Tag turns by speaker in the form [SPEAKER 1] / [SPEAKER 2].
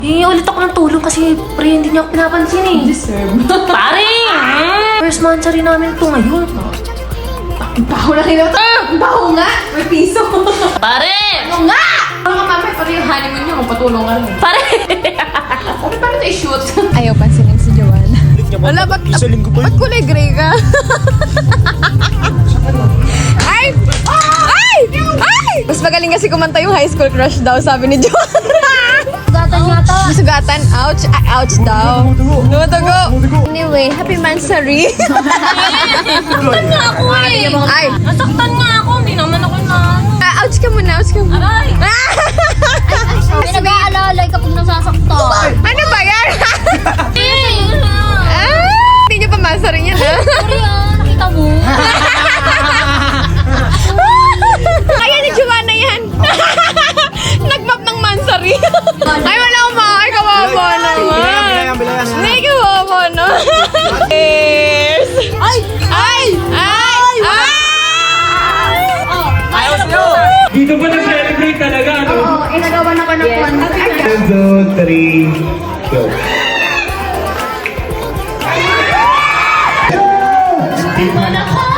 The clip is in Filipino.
[SPEAKER 1] Hingi ulit ako ng tulong kasi pre, hindi niya ako pinapansin eh.
[SPEAKER 2] Deserve.
[SPEAKER 1] Pare! First monthsary namin ito ngayon.
[SPEAKER 2] Ang baho na kayo. Ang baho nga. May piso.
[SPEAKER 1] Pare!
[SPEAKER 2] Ano nga? Ano ka mamay, pero yung honeymoon nyo, magpatulong ka rin.
[SPEAKER 1] Pare!
[SPEAKER 2] Okay, paano ito i-shoot?
[SPEAKER 3] Ayaw pansinin si Joanna. Wala, ba't kulay gray ka? Ay! Ay! Ay! Mas magaling kasi kumanta yung high school crush daw, sabi ni Joanna.
[SPEAKER 4] Sugatan yata.
[SPEAKER 3] Masugatan? Ouch! Ay, ouch daw. Tumutugo. Anyway, happy mansary.
[SPEAKER 1] Nasaktan nga ako eh!
[SPEAKER 3] Ay!
[SPEAKER 1] Nasaktan nga ako, hindi naman ako na...
[SPEAKER 3] Ouch ka muna, ouch ka muna.
[SPEAKER 1] Aray!
[SPEAKER 4] May nag-aalalay kapag nasasaktan.
[SPEAKER 3] Ano ba yan? Hindi niyo pa mansary yan, ha?
[SPEAKER 4] Sorry nakita mo.
[SPEAKER 3] Kaya ni Joanna yan. Nag-map ng mansary. Ay, wala akong makakay. Kawawa naman. Hindi, kawawa na. Cheers! Ay! Ay! Ay! Ay!
[SPEAKER 5] Dito ba nag-celebrate talaga, ano?
[SPEAKER 2] Oo, inagawa na ko ng one.
[SPEAKER 5] 1, 2, 3, go.
[SPEAKER 1] Di mo na ko!